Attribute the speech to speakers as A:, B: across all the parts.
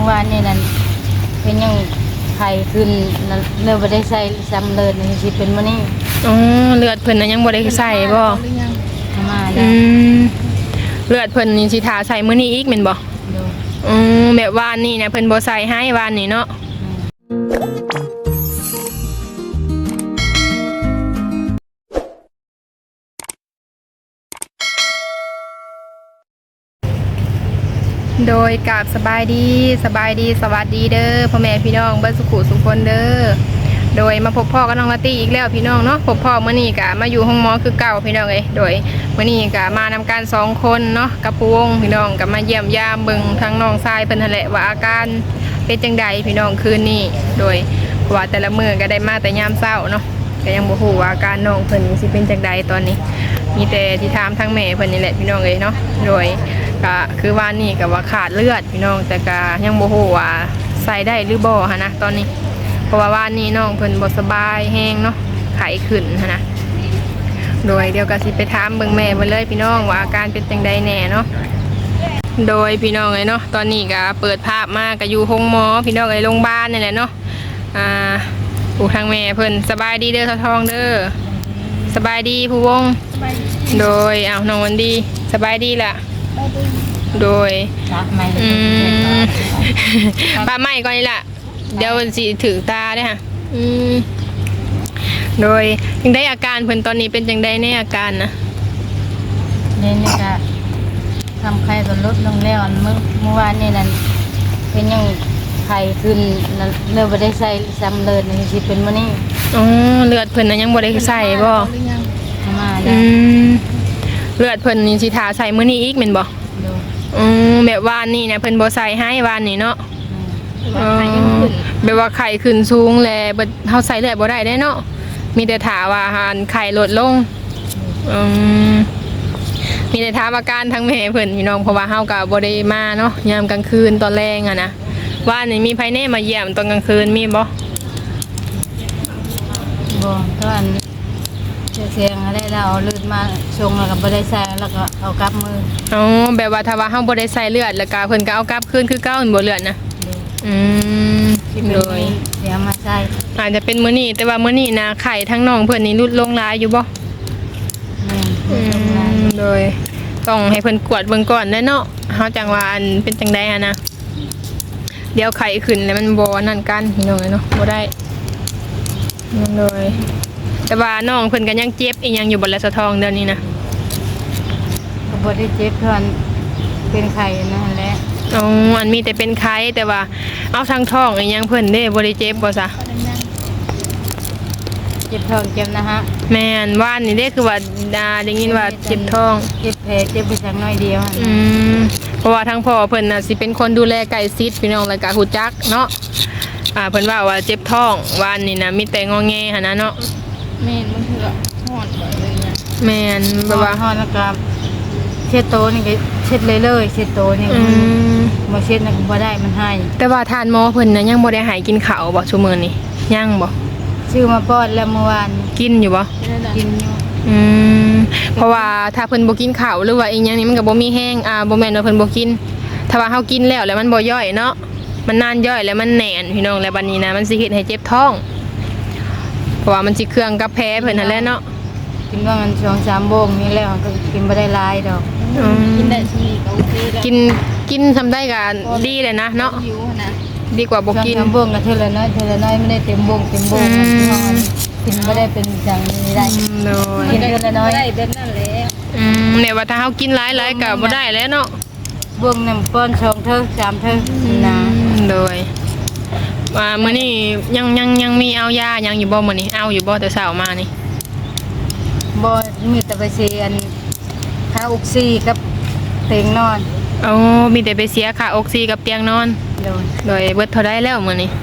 A: อวานนี่นั่นเป็นยังไข้ขึ้นเลือดบ่ได้ใส่ซ้ำเลือดนี่สิเป็นมื้อนี้
B: อ๋อเลือดเพิ่นน่ะยังบ่ได้ใส่บ่
A: มาแล้ว
B: เลือดเพิ่นนี่สิทาใส่มื้อนี้อีกแม่นบ่แบบวานนี่นะเพิ่นบ่ใส่ให้วานนี่เนาะโดยกับสบายดีสวัสดีเด้อพ่อแม่พี่น้องเบิ้ลสุขุสุขคนเด้อโดยมาพบพ่อกับน้องลาตี้อีกแล้วพี่น้องเนาะพบพ่อเมื่อนี้กะมาอยู่ห้องหมอคือเก่าพี่น้องโดยเมื่อนี้กะมานำการ2 คนเนาะกับปูวงพี่น้องกับมาเยี่ยมยามเบิ่งทั้งน้องทรายเพิ่นนั่นแหละว่าอาการเป็นจังใดพี่น้องคืนนี้โดยว่าแต่ละมื้อก็ได้มาแต่ยามเช้าเนาะก็ยังบ่ฮู้ว่าอาการน้องเพิ่นสิเป็นจังใดตอนนี้มีแต่ที่ถามทั้งแม่เพิ่นนี่แหละพี่น้องเนาะโดยก็คือว่านี่ก็ว่าขาดเลือดพี่น้องแต่ก็ยังบ่ฮู้ว่าใส่ได้หรือบ่ฮะนะตอนนี้เพราะว่านี่น้องเพิ่นบ่สบายแห้งเนาะไข้ขึ้นฮะนะโดยเดี๋ยวก็สิไปถามเบิ่งแม่เพิ่นเลยพี่น้องว่าอาการเป็นจังใดแน่เนาะโดยพี่น้องเนาะตอนนี้ก็เปิดภาพมาก็อยู่ห้องหมอพี่น้องโรงพยาบาลนี่แหละเนาะผู้ทางแม่เพิ่นสบายดีเด้อทองเด้อสบายดีผู้วงโดยน้องวันดีสบายดีล่ะโดยป้าใหม่ก่อนนี่ล่ะเดี๋ยวสิถือตาได้ค่ะโดยยังได้อาการเพิ่นตอนนี้เป็นจังได้ในอาการนะ
A: นี่ก็ทำไข้ก็ลดลงแล้วเมื่อวานนี่นั่นเป็นยังไข้ขึ้นเลือดบ่ได้ใส่ซ้ำเลือดนี่สิเป็นมื้อนี้
B: อ๋อเลือดเพิ่นน่ะยังบ่ได้ใส่บ่
A: มาแล้ว
B: เลือดเพิ่นนี่สิทาใส่มื้อนี้อีกแม่นบ่แบบวานนี่นะเพิ่นบ่ใส่ให้วานนี่เนาะแบบว่าไข้ขึ้นสูงแลเฮาใส่เลือดบ่ได้เนาะมีแต่ถามว่าไข้ลดลงมีแต่ถามอาการทั้งแม่เพิ่นพี่น้องเพราะว่าเฮาก็บ่ได้มาเนาะยามกลางคืนตอนแรงอะนะว่านี่มีไผแน่มาเยี่ยมตอนกลางคืนมีบ่
A: ตอนเสียงอะไรเราเลือดมาชงแล้วก็บ่ได้ใส่แล้วก็เอากลับมือ
B: แบบว่าถ้าว่าเฮาบ่ได้ใส่เลือดแล้วก็เพิ่นก็เอากลับคืนคือเก่าบ่เลือดนะ
A: โดยเสียมาใส่
B: อาจจะเป็นมื้อนี้แต่ว่ามื้อนี้นะไข้ทั้งน้องเพิ่นนี่ลดลงหลายอยู่บ่โดยต้องให้เพิ่นกวดเบิ่งก่อนเนาะเฮาจังว่าอันเป็นจังได๋นะเดี๋ยวไข้ขึ้นแล้วมันบ่นั่นกันพี่น้องเนาะบ่ได้โดยแต่ว่าน้องเพิ่นก็ยังเจ็บอีหยังอยู่บ่ละสะทองเดี๋ยวนี้นะ
A: ก็บ่ได้เจ็บเพิ่นเป็นไข้นั่นแหละ
B: อันมีแต่เป็นไข้แต่ว่าเอาทางท้องอีหยังเพิ่นเด้บ่ได้เจ็บบ่ซะ
A: เจ็บท้องเจ็บนะฮะ
B: แม่นว่านนี่เด้คือว่าได้ยินว่าเจ็บท้อง
A: เจ็บแผลเจ็บไปสักน้อยเดียว
B: เพราะว่าทั้งพ่อเพิ่นน่ะสิเป็นคนดูแลใกล้ชิดพี่น้องแล้วก็ฮู้จักเนาะเพิ่นว่าเจ็บท้องว่านนี่นะมีแต่งอแงหั่นนะเนาะ
A: แม่นมันคือฮ้อนเลยเนี่ย
B: แม่นแบบว่า
A: ฮ้อนแล้วก็เช็ดโตนี่ก็เช็ดเลยเช็ดโตนี่บ่เช็ดน่ะบ่ได้มันให้
B: แต่ว่าทานหมอเพิ่นน่ะยังบ่ได้ให้กินข้าวบ่ซุมื้อนี้ยังบ่
A: ชื่อมาป้อนแล้วเมื่อวาน
B: กินอยู่บ่
A: กินอยู่
B: เพราะว่าถ้าเพิ่นบ่กินข้าวหรือว่าอีหยังนี่มันก็บ่มีแห้งบ่แม่นว่าเพิ่นบ่กินถ้าว่าเฮากินแล้วมันบ่ย่อยเนาะมันนานย่อยแล้วมันแน่นพี่น้องแล้วบัดนี้นะมันสิเฮ็ดให้เจ็บท้องเพราะว่ามันสิเครื่องกับแพ้เพิ่นนั่นแหละเนาะ
A: กินว่ามัน2-3 โมงนี่แล้วก็กินบ่ได้หลายดอกกินได้ทีก็โอเคแล้ว
B: กินทำได้ก็ดีเลยนะเนาะดีกว่าบ่กิน
A: 2-3 โมงก็เท่าละน้อยไม่ได้เต็มโมงกินบ่ได้เป็นอย่างนี้ได้กินเท่าละน้อยได้แบบนั้นแหละ
B: เนี่ยว่าถ้าเฮากินหลายๆก็บ่ได้แล้วเนาะ
A: บ่ง1ป้อน2เท่า3เท่านะ
B: โดยมื้อนี้ยังมีเอายายังอยู่บ่มื้อนี้เอาอยู่บ่แต่เช้ามานี่
A: บ่มีแต่ไปเสียอันค่าออกซิกับเตียงนอน
B: มีแต่ไปเสียค่าออกซิกับเตียงนอนโดยเบิดเท่าใดแล้วมื้อนี้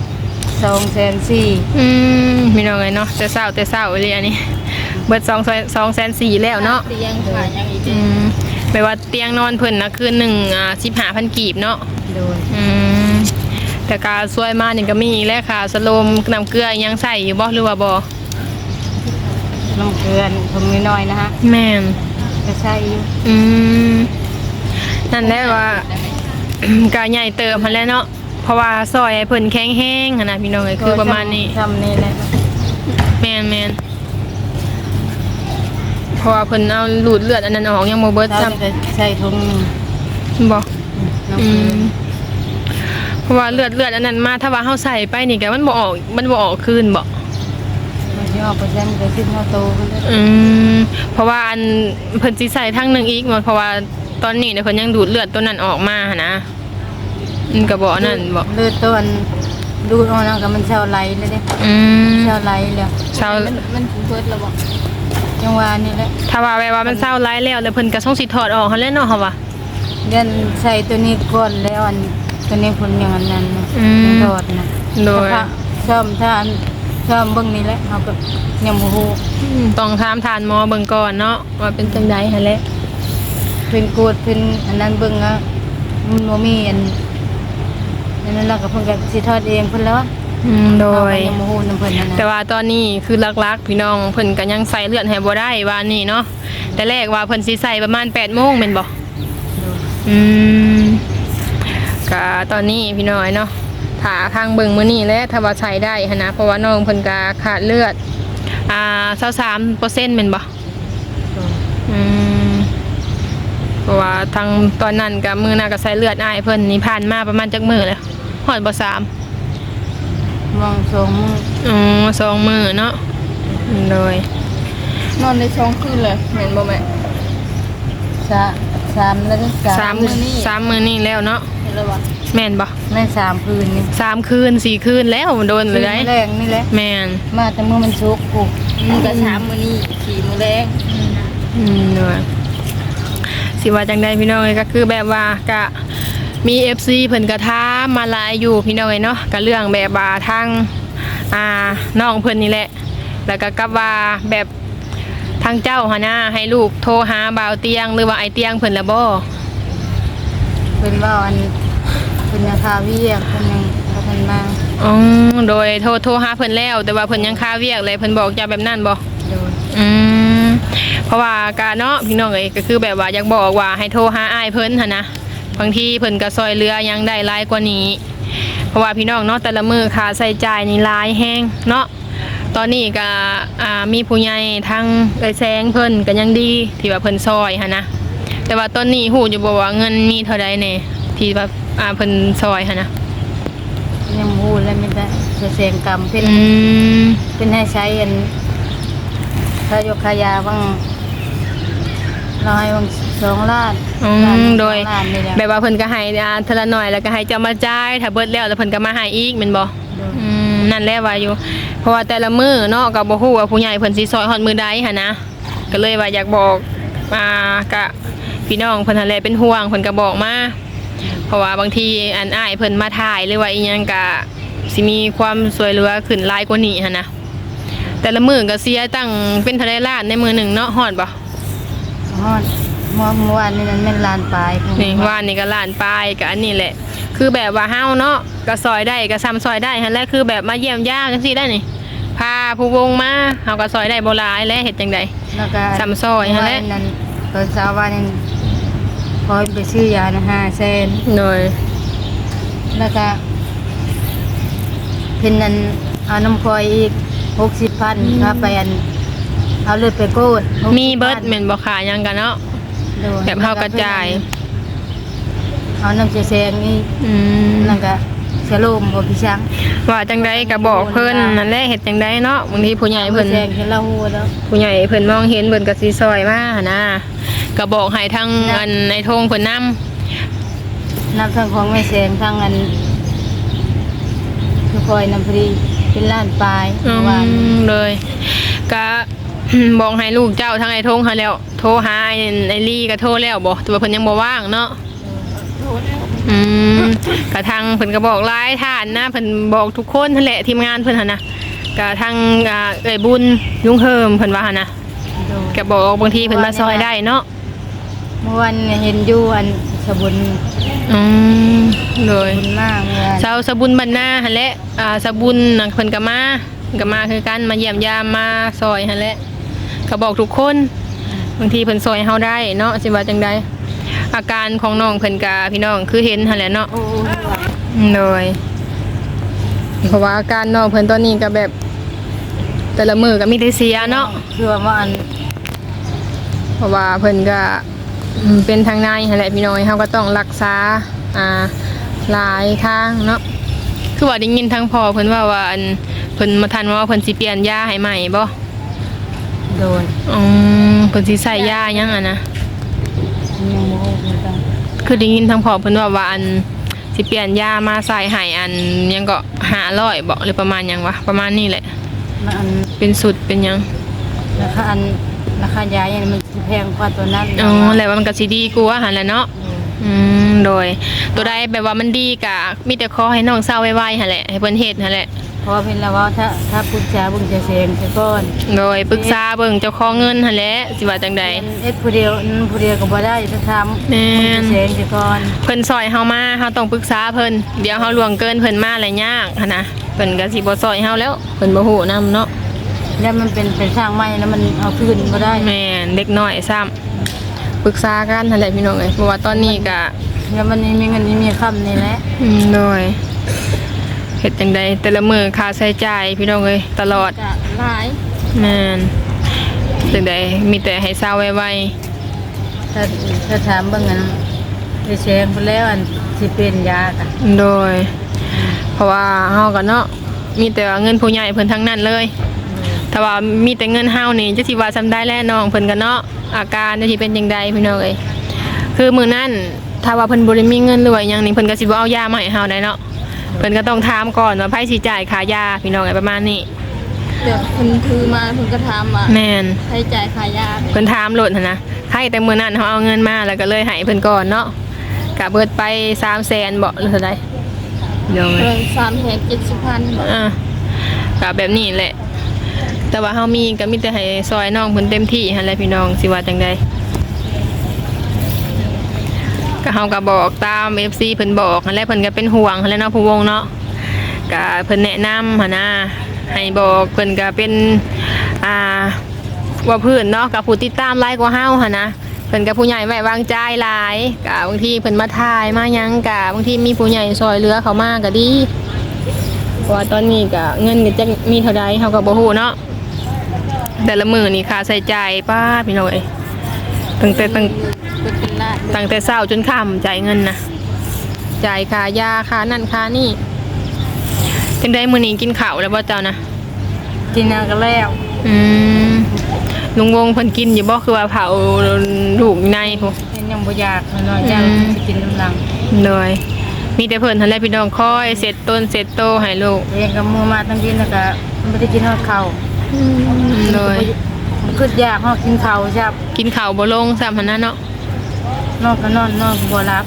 A: 240,000
B: มีน้องเอ้ยเนาะแต่เช้าเลยอันนี้เบิด240,000แล้วเนาะ
A: เตียงค่ะยังอีก
B: แปลว่าเตียงนอนเพิ่นนะคืนนึง15,000 กีบเนาะ
A: โดย
B: แต่กาซวยมานี่ก็มีอีกแล้วค่ะสโลมน้ำเกลือยังใส่อยู่บ่หรือว่าบ่
A: น้ำเกลือผมน้อยนะฮะ
B: แม่น
A: ก็ใส่อยู่
B: นั่นแหละว่าก็ใหญ่เติมหั่นแหละเนาะเพราะว่าซอยให้เพิ่นแข็งแรงหั่นน่ะพี่น้องเอ้ยคือประมาณนี้
A: ทำนี่แหละ
B: แม่นเพราะว่าเพิ่นเอาลูดเลือดอันนั้นออกยังบ่เบิด
A: เรา
B: ซ้ำ
A: จะใส่ถุงหนึ่ง
B: บ่
A: น้ำเกลือ
B: เพราะว่าเลือดอันนั้นมาถ้าว่าเฮาใส่ไปนี่ก็มันบ่ออกคืนบ่
A: มันจะออกไปแซมไปขึ้นข้าวโตกันเลย
B: เพราะว่าอันเพิ่นสิใส่ทั้งหนึงอีกเพราะว่าตอนนี้เนี่ยเพิ่นยังดูดเลือดตัวนั้นออกมาหั่นนะมันก็บ่อันนั้นบ่
A: เลือดตัวดูดออกแล้วก็มันเช่าไหลเลยเด้ เช่าไหลแล้ว
B: เศร้า
A: มันเบิดแล้วบ่ยังว่านี่แหละ
B: ถ้าว่าแบบว่ามันเศร้าร้ายแล้วเพิ่นก็ส่งสิถอดออกหั่นแหละเนาะเฮาว่า
A: เดินใส่ตัวนี้ก่อนแล้วอันตัวนี้ผลอย่างนั้นนะโดดนะ
B: โดย
A: ชอบถ้าอันชอบเบิ่งนี่แหละเฮาก็ยังบ่ฮู้
B: ต้องถามทานหมอเบิ่งก่อนเนาะว่าเป็นจังไดหั่นแหละ
A: เป็นโกดเป็นอันนั้นเบิ่งอ่ะมันบ่มีอันนั้นแล้วก็เพิ่นก็สิทอดเองเพิ่นแล้ว
B: โดย
A: ยังบ่ฮู้นำเพิ่นนั่น
B: แต่
A: นะ
B: ว่าตอนนี้คือลักๆพี่น้องเพิ่นก็ยังใส่เลือดให้บ่ได้ว่านี่เนาะแต่แรกว่าเพิ่นสิใส่ประมาณ 8:00 นแม่นบ่ก็ตอนนี้พี่น้อยเนาะถ้าทางเบิ่งมื้อนี้แหละถ้าว่าใช้ได้หั่นนะเพราะว่าน้องเพิ่นก็ขาดเลือด23%แม่นบ่เพราะว่าทางตอนนั้นก็มื้อหน้าก็ใส่เลือดอ้ายเพิ่นนี่ผ่านมาประมาณจักมื้อแล้วฮอดบ่3
A: มองสองมือ
B: 2 มื้อเนาะโดย
C: นอนในช่องคืนเลยเห็นบ่แม่
A: สามแล้วก็
B: 3 มื้อนี้3 มื้อนี้แล้วเนาะ
C: เห็นแล้ววะ
B: แม่นบ่
A: ใน3คืนนี่
B: 3 คืน 4 คืนแล้วโดนเลยได้
A: แรงนี่แหละ
B: แม่น
A: มาแต่มื้อมันสุกกู
C: ก็3 มื้อนี้4 มื้อแรง
B: เนาะสิว่าจังได๋พี่น้องเอ้ยก็คือแบบว่าก็มี FC เพิ่นก็ถามมาหลายอยู่พี่น้องเอ้ยเนาะก็เรื่องแบบว่าทางน้องเพิ่นนี่แหละแล้วก็กับว่าแบบทางเจ้าหั่นนะให้ลูกโทรหาบ่าวเตียงหรือว่าไอ้เตียงเพิ่นละบ่
A: เพิ่นว่าอันเพิ่นยังคาเวียกเพิ่นยังบ่ทันมา
B: โดยโทรหาเพิ่นแล้วแต่ว่าเพิ่นยังคาเวียกเลยเพิ่นบอกจะแบบนั้นบ่
A: โดย
B: เพราะว่ากะเนาะพี่น้องเอ้ยก็คือแบบว่าอยากบอกว่าให้โทรหาอ้ายเพิ่นหั่นนะบางทีเพิ่นก็ซอยเรือยังได้หลายกว่านี้ เพราะว่าพี่น้องเนาะแต่ละมื้อค่าใช้จ่ายนี่หลายแฮงเนาะตอนนี้ก็มีผู้ใหญ่ทั้งเอ้ยแซงเพิ่นก็ยังดีที่ว่าเพิ่นซอยหั่นนะแต่ว่าตอนนี้ฮู้อยู่บ่ว่าเงินมีเท่าใดแน่ที่ว่าเพิ่นซอยหั่นนะ
A: ยังบ่ฮู้แล้วมีแต่จะเสียงกรรมเพิ่นเป็นให้ใช้อันถ้ายกขายาบ้างเราให้บาง2 ล้าน
B: โดย
A: ล้านนี่แหละ
B: แบบว่าเพิ่นก็ให้เทอละหน่อยแล้วก็ให้เจ้ามาจ่ายถ้าเบิดแล้วแล้วเพิ่นก็มาให้อีกแม่นบ่
A: โดย
B: นั่นแหละว่าอยู่เพราะว่าแต่ละมื้อเนาะก็บ่ฮู้ว่าผู้ใหญ่เพิ่นสิซอยฮอดมื้อใดหั่นนะก็เลยว่าอยากบอกกะพี่น้องเพิ่นนั่นแหละเป็นห่วงเพิ่นก็บอกมาเพราะว่าบางทีอันอ้ายเพิ่นมาถ่ายหรือว่าอีหยังก็สิมีความสวยเหลือขึ้นหลายกว่านี้หั่นนะแต่ละมื้อก็เสียตั้งเป็นเท่าใดล้านในมื้อหนึงเนาะฮอดบ่
A: ฮอดเมื่อวานนี่มันแม่นล้านปลายพุ่
B: นี่ว่านี่ก็ล้านปลายก็อันนี้แหละคือแบบว่าเฮาเนาะก็ซอยได้ก็ซ้ำซอยได้หั่นแหละคือแบบมาเยี่ยมญาติจังซี่ได้นี่พาผู้วงมาเฮาก็ซอยได้บ่หลายและเฮ็ดจังได๋
A: แล้วก็
B: ซ้ำซอยหั่นแหละ
A: นั้นตอนเช้าวันนั้นพอไปซื้อยานะ500,000
B: โดย
A: แล้วก็เพิ่นนั้นเอาน้ำพลอยอีก60,000ครับไปอันเอาเลือดไปโกด
B: มีเบิดแม่นบ่ขาหยังกันเนาะ
A: โดย
B: แบบเฮากระจาย
A: เอาน้ำแซงนี่ แล้วก็เสโลมบ่พี่ช้าง
B: ว่าจังไดก็บอกเพิ่นนั่นแหละเฮ็ดจังไดเนาะบางทีผู้ใหญ่เพิ่น
A: แซงเห็นละหัวแล้ว
B: ผู้ใหญ่เพิ่นมองเห็นเพิ่นก็สิซอยมาหั่นนะก็บอกให้ทางอันในทงเพิ่นนำ
A: น้ำทั้งของแม่แซงทั้งอันคือคอยน้ำพรีเป็นล้านปลายเมื่อวาน
B: เลยก็ บอกให้ลูกเจ้าทางไอ้ทงหาแล้วโทรหาไอ้ลี่ก็โทรแล้วบ่แต่ว่าเพิ่นยังบ่ว่างเนาะ
C: โทรแล้ว
B: กะทางเพิ่นก็บอกหลายท่านนะเพิ่นบอกทุกคนนั่นแหละทีมงานเพิ่นหั่นนะกะทางเอ้ยบุญยุงเฮิมเพิ่นว่าหั่นนะ
A: โดย
B: ก็บอกบางทีเพิ่นมาซอยได้เนาะ
A: เมื่อวันเห็นอยู่อันสบุญ
B: เลย
A: บุญมากเมื่อวาน
B: ชาวสะบุญบรรณาหั่นแหละสะบุญน่ะเพิ่นก็มาคือกันมาเยี่ยมยามมาซอยหั่นแหละก็บอกทุกคนบางทีเพิ่นซอยเฮาได้เนาะสิว่าจังไดอาการของน้องเพิ่นกะพี่น้องคือเห็นหั่นแหละเนาะ
A: โอ้ย
B: โดยเพราะว่าอาการน้องเพิ่นตอนนี้ก็แบบ แต่ละมือก็มีแต่เสียเนาะ
A: คือว่าอัน
B: เพราะว่าเพิ่นก็เป็นทางในหั่นแหละพี่น้องเฮาก็ต้องรักษาหลายทางเนาะคือว่าได้ยินทางพ่อเพิ่นว่าอันเพิ่นมาทันว่าเพิ่นสิเปลี่ยนยาให้ใหม่บ่
A: โดน
B: เพิ่นสิใส่ยาหยังอ่ะนะ
A: ยังโมโหคือกัน
B: คือได้ยินทางพ่อเพิ่นว่าอันสิเปลี่ยนยามาใส่ให้อันหยังก็500บ่หรือประมาณหยังวะประมาณนี้แหละ
A: แล้วอัน
B: เป็นสุดเป็นหยัง
A: ราคายาอย่างมันแพงกว่าตัวนั้น
B: แล้วว่ามันก็สิดีกว่าหั่นแหละเนาะโดยตัวใดแบบว่ามันดีก็มีแต่ขอให้น้องเศร้าไวๆหั่นแหละให้เพิ่นเฮ็ดหั่นแหละ
A: เพราะเป็นแล้วว่าถ้าปรึกษาบุญจะเสียงไปก่อน
B: โดยปรึกษาเบิ่งเจ้าของเงินหั่นแหละสิว่าจังใด
A: เอ็ดผู้เดียวก็บ่ได้จะทำ
B: แม่น
A: เสียงไปก่อน
B: เพิ่นซอยเฮามาเฮาต้องปรึกษาเพิ่นเดี๋ยวเฮาล่วงเกินเพิ่นมาแล้วยากหั่นนะเพิ่นก็สิบ่ซอยเฮาแล้วเพิ่นบ่ฮู้นำเนาะ
A: แล้วมันเป็นสร้างใหม่แล้วมันเอาคืนบ่ได้
B: แม่นเด็กน้อยซ้ำปรึกษากันหั่นแหละพี่น้องเอ้ยเพราะว่าตอนนี้ก็
A: แล้วมันมีเงินมีคำนี่แหละ
B: โดยเฮ็ดจังใดแต่ละมื้อค่าใช้จ่ายพี่น้องเอ้ยตลอด
C: จะหลาย
B: แม่นจังใดมีแต่ให้เศร้าไว
A: ถ้าถามเบิ่งอันไปเสียงไปแล้วอันสิเป็นยากะ
B: ๆโดย เพราะว่าเฮาก็เนาะมีแต่ว่าเงินผู้ใหญ่เพิ่นทั้งนั้นเลยถ้าว่ามีแต่เงินเฮานี่จะสิว่าซำได้แลน้องเพิ่นก็เนาะอาการจะสิเป็นจังใดพี่น้องเอ้ยคือมื้อนั้นถ้าว่าเพิ่นบ่ได้มีเงินหรือว่าหยังนี่เพิ่นก็สิบ่เอายามาให้เฮาได้เนาะเพิ่นก็ต้องถามก่อนว่าไผสิจ่ายค่ายาพี่น้องเอ้ยประมาณนี้
C: เดี๋ยวเพิ่นถือมาเพิ่นก็ถามว่า
B: แม่น
C: ใช้จ่ายค่ายา
B: เพิ่นถามโลดหั่นนะใครแต่มื้อนั้นเฮาเอาเงินมาแล้วก็เลยให้เพิ่นก่อนเนาะก็เบิดไป300,000บ่หรือเท่าใดเดี๋ยว
C: เพิ่น370,000บาท
B: ก็แบบนี้แหละ แต่ว่าเฮามีก็มีแต่ให้ซอยน้องเพิ่นเต็มที่หั่นแหละพี่น้องสิว่าจังไดก็เฮาก็บอกตาม FC เพิ่นบอกหั่นแหละเพิ่นก็เป็นห่วงหั่นแหละเนาะผู้วงเนาะก็เพิ่นแนะนำหั่นนะให้บอกเพิ่นก็เป็นว่าเพื่อนเนาะกับผู้ติดตามหลายกว่าเฮาหั่นนะเพิ่นกับผู้ใหญ่ไว้วางใจหลายก็บางทีเพิ่นมาถ่ายมาหยังก็บางทีมีผู้ใหญ่ซอยเหลือเขามาก็ดีเพราะว่าตอนนี้ก็เงินก็จะมีเท่าใดเฮาก็บ่ฮู้เนาะแต่ละมื้อนี่ค่าใช้จ่ายป้าพี่น้องเอ้ยตั้ง
C: เป็นล้าน
B: แต่เช้าจนค่ำจ่ายเงินนะจ่ายค่ายาค่านั่นค่านี่จังได๋มื้อนี้กินข้าวแล้วบ่เจ้านะ
A: กินเอาก็แล้ว
B: ลุงวงเพิ่นกินอยู่บ่คือว่าเผาลูกในพุ
A: เป็นยังบ่อยากน้อยๆยังสิกินน้ำลัง
B: เลยมีแต่เพิ่นหั่นแหละพี่น้องคอยเสร็จต้นเสร็จโตให้ลูก
A: เองก็มูมาตั้งกินแล้วก็บ่ได้กินฮอดข้าว
B: เลย
A: คิดอยากฮอดกินข้าวจับ
B: กินข้าวบ่ลงซ้ำหั่นนะเนาะ
A: นอนก็นอนก็บ่หลับ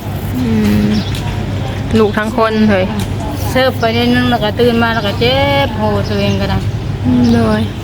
B: ลูกทั้งคนเฮ้ย
A: เสิร์ฟไปนิดนึงแล้วก็ตื่นมาแล้วก็เจ็บโหตัวเองก็ได้
B: เลย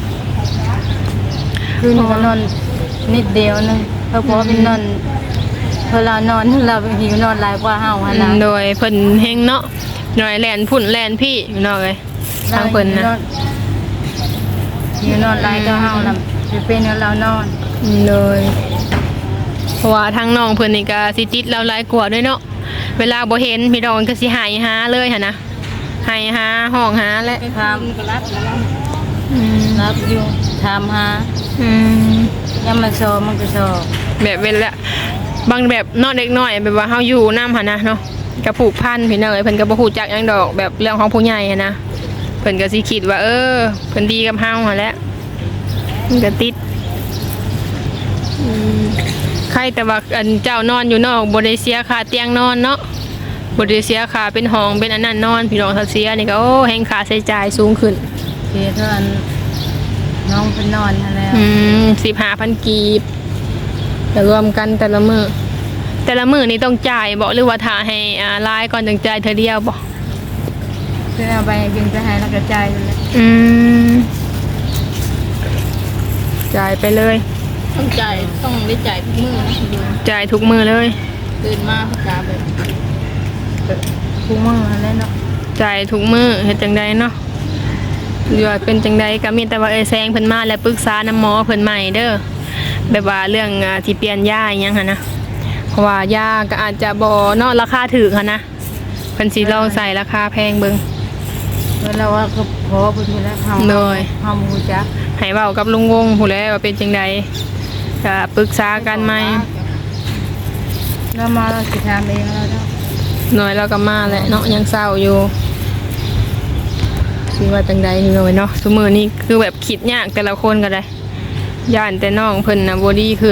A: คืนนี้ก็นอนนิดเดียวนึงเพราะว่าเป็นนอนเวลานอนเราหิวนอนหลายกว่าเฮาหั่นน่ะ
B: โดยเพิ่นเฮงเนาะหน่อยแล่นพุ่นแล่นพี่พี่น้องเอ้ยทางเพิ่นนะ
A: หิวนอนหลายก็เฮาน่ะเป็นเรานอน
B: เลยเพราะว่าทางน้องเพิ่นนี่ก็สิติดเราหลายกว่าด้วยเนาะเวลาบ่เห็นพี่น้องก็สิหายหาเลยหั่นนะหายหาห้องหาและ
A: ไปถามก็รับอยู่ถามหายังมาโซมันก็โซ
B: แบบเวลาบางแบบนอนเด็กน้อยแบบว่าเฮาอยู่นำหั่นนะเนาะก็ผูกพันพี่น้องเอ้ยเพิ่นก็บ่ฮู้จักหยังดอกแบบเรื่องของผู้ใหญ่หันนะเพิ่นก็สิคิดว่าเเพิ่นดีกับเฮาหั่นแหละมันก็ติดใครแต่ว่าอันเจ้านอนอยู่นอกบ่ได้เสียค่าเตียงนอนเนาะบ่ได้เสียค่าเป็นห้องเป็นอันนั้นนอนพี่น้องถ้าเสียนี่ก็แฮงค่าใช้จ่ายสูงขึ้น
A: เสียเท่านั้นน้องเป็นนอนนั่นแล้ว
B: 15,000 กีบแต่รวมกันแต่ละมื้อนี่ต้องจ่ายบ่หรือว่าถ้าให้รายก่อนจังจ่ายเทื่อเดียวบ่
A: คือเอาไปบินไปให้แล้วก็จ่ายอยู่แล้ว
B: จ่ายไปเลย
C: ต้องจ่ายต้องได้จ่ายทุกมื้อนะดู
B: จ่ายทุกมื้อเลย
C: ตื่นมาพกาแบบ
A: คู่มือแล้วเนาะ
B: จ่ายทุกมื้อเฮ็ดจังไดเนาะหรือว่าเป็นจังไดก็มีแต่ว่าแซงเพิ่นมาแล้วปรึกษาน้ำหมอเพิ่นใหม่เด้อแบบว่าเรื่องที่เปลี่ยนยาอีหยังหั่นนะเพราะราะว่ายาก็อาจจะบ่เนาะราคาถูกหันนะเพิ่นสิลองใส่ราคาแพงเบิ่ง
A: เวลาว่าก็พอเพิ่นอยู่แล้วเฮา
B: โดย
A: เฮาบ่รู้จัก
B: ให้เว้ากับลุงวงผู้แลว่าเป็นจังไดก็ปรึกษากันไหม
A: เรามาเราสิทำเองแล้วเนาะ
B: หน่อยเราก็มาแหละเนาะยังเศร้าอยู่สิว่าจังใดนี่เลยเนาะซุมื้อนี้คือแบบคิดยากแต่ละคนก็ได้ย่านแต่น้องเพิ่นน่ะบ่ดีขึ้น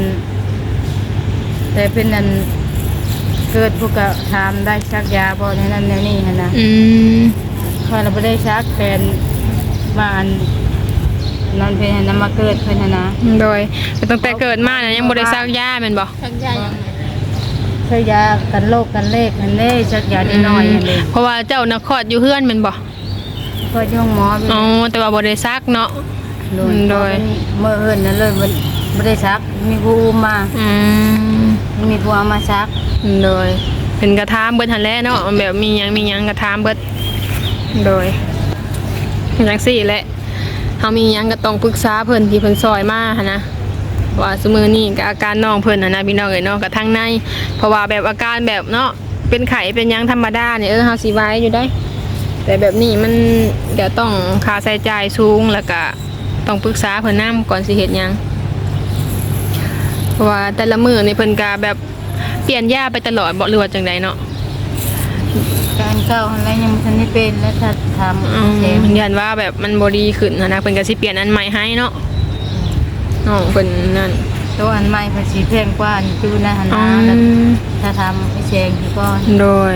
A: แต่เป็นอันเกิดพวกก็ถามได้ชักยาบ่ในนั้นในนี่หั่นนะ พอเราไม่ได้ชักเป็นมาอันนอนเป็นน้ำมาเกิดเพิ่นน่ะนะ
B: โดยแต่ตั้งแต่เกิดมาเนี่ยยังบ่ได้ซักยาแม่นบ่
C: ชักยายังไง
A: ใช้ยากันโรคกันเลขนั่นเด้ชักยานิดหน่อยนั่นเอง
B: เพราะว่าเจ้าน่ะคลอดอยู่เฮือนแม่นบ่
A: ก็ย่องหมอไป
B: อ๋อแต่ว่าบ่ได้ซักเนาะ โดย
A: เมื่อเอิ้นนั่นเลยมันบ่ได้ชักมีผู้อุ้มมา
B: อืม
A: มีผู้เอามาชัก
B: โดยเป็นกระทามเบิดหั่นแหละเนาะแบบมีหยังกระทามเบิดโดยจังซี่แหละเฮามีหยังก็ต้องปรึกษาเพิ่นที่เพิ่นซอยมาหั่นนะว่าซุมื้อนี้ก็อาการน้องเพิ่นน่ะนะพี่น้องเอ้ยเนาะก็ทางในเพราะว่าแบบอาการแบบเนาะเป็นไข้เป็นหยังธรรมดาเนี่ยเฮาสิไหวอยู่ได้ แต่แบบนี้มันเดี๋ยวต้องค่าใช้จ่ายสูงแล้วก็ต้องปรึกษาเพิ่นนํก่อนสิเฮ็ดหยังเพราะว่าแต่ละมื้อนี่เพิ่นก็แบบเปลี่ยนยาไปตลอดบ่หรือว่าจังไดเนาะ
A: การเข้าอะไรยังบ่ทันได้เป็นแล้วถ้าทำ
B: เ
A: เอง
B: ยันว่าแบบมันบ่ดีขึ้นนะเพิ่นก็สิเปลี่ยนอันใหม่ให้เนาะน้องเพิ่นนั่น
A: ตัวอันใหม่ภาษีแพงกว่าอันอยู่นะหั่น
B: อื
A: นะแล้ว
B: ม
A: ถ้าทำให้แซงที่ก่อน
B: โดย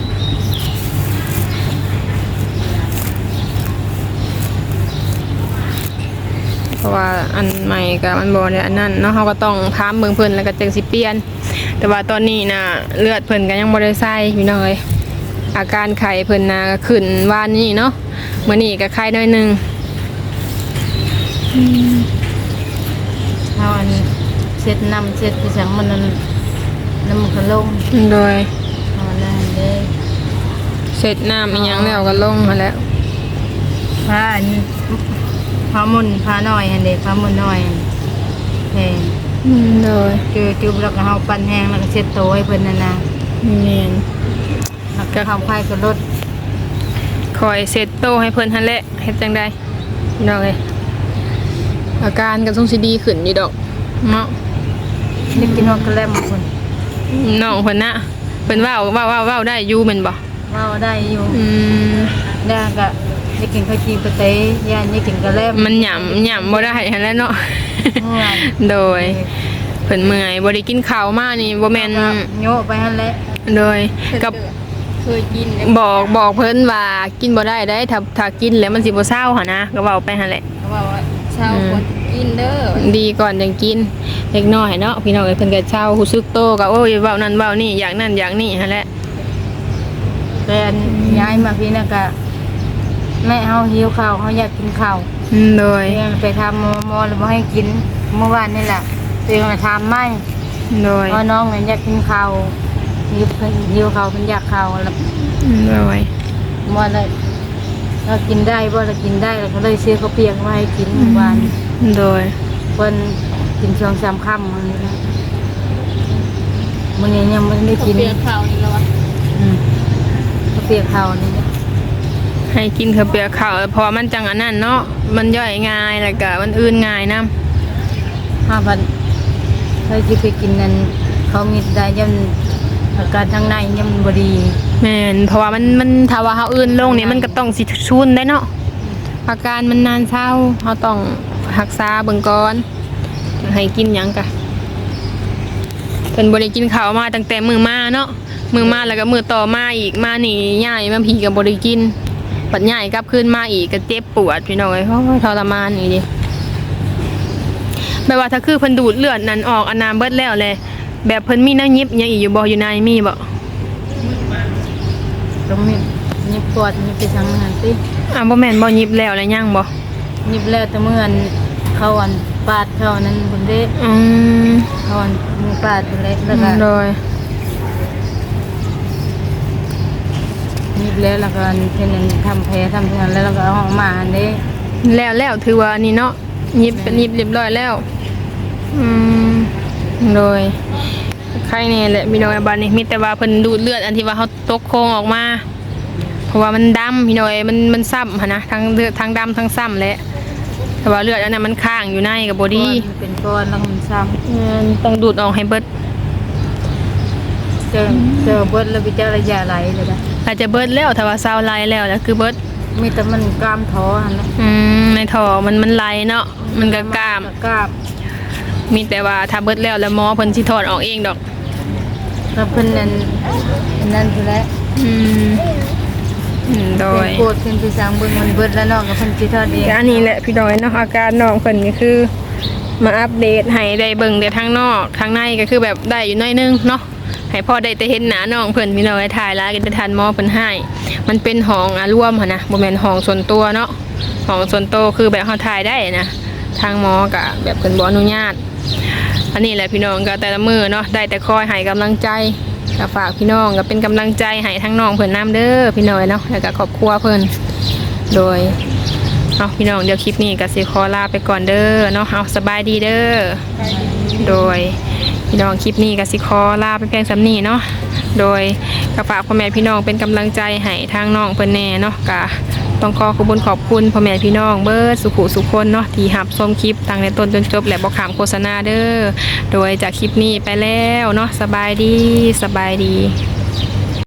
B: เพราะว่าอันใหม่กับอันบ่ได้อันนั้นเนาะเฮาก็ต้องถามเบิ่งเพิ่นแล้วก็จังสิเปลี่ยน แต่ว่าตอนนี้น่ะเลือดเพิ่นก็ยังบ่ได้ใส่พี่น้องเอ้ยอาการไข้เพิ่นน่ะก็ขึ้นวานนี้เนาะมื้อนี้ก็ไข้น้อยหนึง
A: เอาอันเช็ดน้ำเช็ดที่สังมันนั่นน้ำมันก็ลง
B: โดย
A: เอาแล้วเด้
B: เสร็จน้ำอีหยังแล้วก็ลงมาแล้ว
A: ผ้าอันผ้ามุนผ้าน้อยอันเด็กผ้ามุนน้อยแพง
B: โดย
A: จุบแล้วก็เฮาปั้นแห้งแล้วก็เช็ดโตวให้เพิ่นนั่นนะ
B: แม่น
A: แล้วก็เฮาไข่ก็ลด
B: คอยเซตโตให้เพิ่นหั่นแหละเฮ็ดจังได๋พี่น้องเอ้ยอาการก็ต้องสิดีขึ้นอยู่ดอกเนาะ
A: ได้กินฮอกโกแลตเพิ่น
B: น้องเพิ่นน่ะเพิ่นเว้าได้อยู่แม่นบ่
A: เว้าได้อยู่
B: ม
A: แล้วก็ได้กินข้าวจีปะเตยย่านได้กินกะแลม
B: มันหย่ำบ่ได้หั่นแหละเนาะ
A: เมื่อย
B: โดยเพิ่นเมื่อยบ่ได้กินข้าวมานี่บ่แม่น
A: ก็โยะไปหั่นแหละ
B: โดยกับ
C: เคยกินเลย
B: บอกเพิ่นว่ากินบ่ได้ได้ถ้ากินแล้วมันสิบ่เศร้าหั่นนะก็เว้าไปหั่นแหละ
C: เขาบอกว่าเช้าควรกินเด้อ
B: ดีก่อนจังกินเล็กน้อยเนาะพี่น้องเอ้ยเพิ่นก็เช่าฮู้สึกโตก็โอ้ยเว้านั่นเว้านี่อย่างนั้นอย่างนี้หั่นแหละ
A: แต่อันย้ายมาพี่น่ะก็แม่เฮาหิวข้าวเฮาอยากกินข้าว
B: โดย
A: เองไปทำหมอแล้วบ่ให้กินเมื่อวานนี่แหละตัวเองมาทำไม่
B: โดย
A: เพราะน้องเนี่ยอยากกินข้าวหิวข้าวเพิ่นอยากข้าวแล้ว
B: โดย
A: หมอเลยเรากินได้บ่เรากินได้เราก็เลยซื้อข้าวเปียกมาให้กินเมื่อวาน
B: โดย
A: เพิ่นกิน2-3ค่ำมื้อนี้นะมื้อนี้ยังบ่ได้
C: เขา
A: กิน
C: เปลี่ยนข่าวนี่แล้ววะ
A: ข้าวเปียกข้าวนี่
B: ให้กินข้าวเปียกข้าวเพราะว่ามันจังอันนั้นเนาะมันย่อยง่ายแล้วก็มันอื่นง่ายนํ
A: 5,000เคยสิไปกินนั่นเขามีได้ยันอาการทางในยังบ่ดี
B: แม่นเพราะว่ามันถ้าว่าเฮาอื่นลงนี่มันก็ต้องสิชุนได้เนาะอาการมันนานเช้าเฮาต้องรักษาเบิ่งก่อนให้กินหยังกะเพิ่นบ่ได้กินข้าวมาตั้งแต่มื้อมาเนาะมื้อมาแล้วก็มื้อต่อมาอีกมานี่ย้ายมาพี่ก็บ่ได้กินปัดย้ายกลับคืนมาอีกก็เจ็บปวดพี่น้องเอ้ยโอ้ยทรมานอีดิแบบว่าถ้าคือเพิ่นดูดเลือดนั้นออกอันน้ำเบิดแล้วแหละแบบเพิ่นมีน้ำยิบหยังอีกอยู่บ่อยู่ในมีบ่
A: ตรงนี้ยิบปวดยิบไปทางนั้นติ
B: บ่แม่นบ่ยิบแล้วแล้วยังบ่
A: ยิบแล้วแต่เมื่ออันเขาอันปาดเขานั้นเพิ่นเด้
B: อืม
A: เขาอันมือปาดเพิ่นเด้แล้วก็
B: โดย
A: ยิบแล้วก็อันเพิ่นนั้นทำแผลทำเพิ่นแล้วก็เอาออกมาอันเด้
B: แล้วถือว่านี่เนาะยิบเป็นยิบเรียบร้อยแล้วอืมโดยใครเนี่ยแหละพี่น้องบ้านนี้มีแต่ว่าเพิ่นดูดเลือดอันที่ว่าเขาตกโครงออกมาเพราะว่ามันดำพี่น้อยมันซ้ำหั่นนะทั้งเลือดทั้งดำทั้งซ้ำแหละแต่ว่าเลือดอันนั้นมันค้างอยู่ในกับบอดี้
A: มันเป็นก้อนแล้วมันซ้
B: ต้องดูดออกให้เบิด
A: ำเจอเบิดแล้วไปเจอระยะไหลเลยนะ
B: อาจจะเบิดแล้วถ้าว่าซาวไลแล้วแล้วคือเบิด
A: มีแต่มันกล้ามท้อหั่นแหละ
B: ในท่อมันไหลเนาะมันก็กล้าม
A: กล้าม
B: มีแต่ว่าถ้าเบิดแล้วหมอเพิ่นสิถอดออกเองดอก
A: แล้วเพิ่นนั่นคือแล้ว
B: โดย
A: โกรธเพิ่นไปสั่งเบิ่งมันเบิดแล้วเนาะก็เพิ่นสิทอดเอง
B: อันนี้แหละพี่น้อยเนาะอาการน้องเพิ่นก็คือ มาอัปเดตให้ได้เบิ่งแต่ทางนอกทางในก็คือแบบได้อยู่หน้อยนึงเนาะให้พ่อได้แต่เห็นหน้าน้องเพิ่นพี่น้อยถ่ายแล้วก็จะทันหมอเพิ่นให้มันเป็นห้องรวมหั่นนะบ่แม่นห้องส่วนตัวเนาะห้องส่วนตัวคือแบบเฮาถ่ายได้นะทางหมอก็แบบเพิ่นบ่อนุญาตอันนี้แหละพี่น้องก็แต่ละมื้อเนาะได้แต่คอยให้กำลังใจก็ฝากพี่น้องก็เป็นกำลังใจให้ทั้งน้องเพิ่นนํเด้อพี่น้อยเนาะแล้วก็ครอบครัวเพิ่นโดยเอาพี่น้องเดี๋ยวคลิปนี้ก็สิขอลาไปก่อนเด้อเนาะเอาสบายดีเด้อโดยพี่น้องคลิปนี้ก็สิขอลาไปเพียงสำนี้เนาะโดยก็ฝากพ่อแม่พี่น้องเป็นกำลังใจให้ทางน้องเพิ่นแน่เนาะก็ต้องขอบคุณพ่อแม่พี่น้องเบิดสุขุสุขคนเนาะที่รับชมคลิปตั้งแต่ต้นจนจบและบ่ขามโฆษณาเด้อโดยจากคลิปนี้ไปแล้วเนาะสบายดี